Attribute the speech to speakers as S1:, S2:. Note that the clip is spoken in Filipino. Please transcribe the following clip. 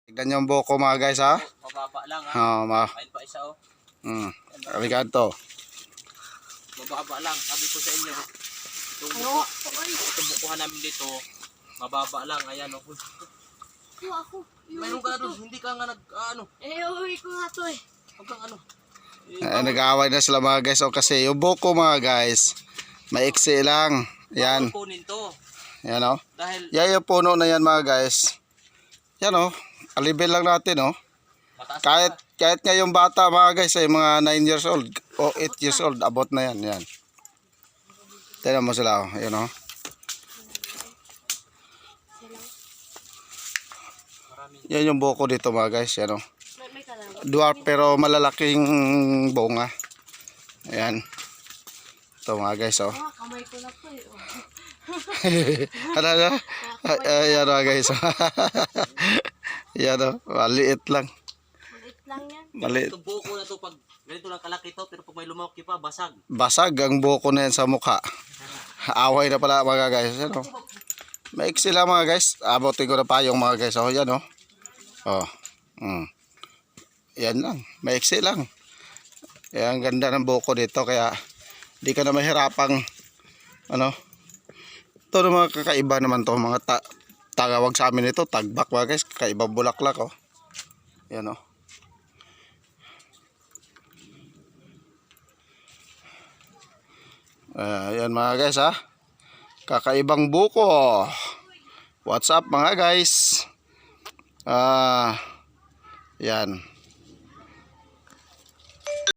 S1: Tignan yung buko mga guys ha.
S2: Mababa lang ha. Ayun pa isa oh.
S1: Arigato.
S2: Mababa lang. Sabi ko sa inyo. Itong bukuhan namin dito. Mababa lang. Ayan oh.
S3: Ako.
S2: Mayroon ka doon. Hindi ka nga nag-ano.
S3: Uwi ko nga to eh.
S2: Huwag kang ano.
S1: Nag-aaway na sila mga guys. O kasi yung buko mga guys, maiksi lang. Yan.
S2: Kunin to.
S1: Yan o.
S2: Dahil
S1: Yan yung puno na yan mga guys. Yan o. Alibel lang natin o. Kahit nga yung bata mga guys ay mga 9 years old o 8 years old. Abot na yan. Yan. Tignan mo sila o. Yan o. Yan yung buko dito mga guys. Yan o. Dwarf pero malalaking bunga. Ayan. Ito mga guys oh.
S3: Kamay ko na to eh.
S1: Ano? Ayan mga guys. Yan oh. Maliit lang.
S3: Maliit lang yan.
S1: Maliit.
S2: ito buko na to pag ganito lang kalaki to pero pag may lumaki pa basag.
S1: Basag ang buko na yan sa mukha. Away na pala mga guys. Yan oh. Maiksi lang mga guys. Abutin ko na pa yung mga guys oh. Yan oh. Oh. Yan lang, maiksi lang. Yan, ang ganda ng buko dito kaya di ka na mahirapang ano. Ito na mga kakaiba naman to mga tagawag sa amin ito, tagbak mga guys, kakaiba bulaklak oh. Yan oh. Yan mga guys ha. Kakaibang buko. What's up mga guys? Yan.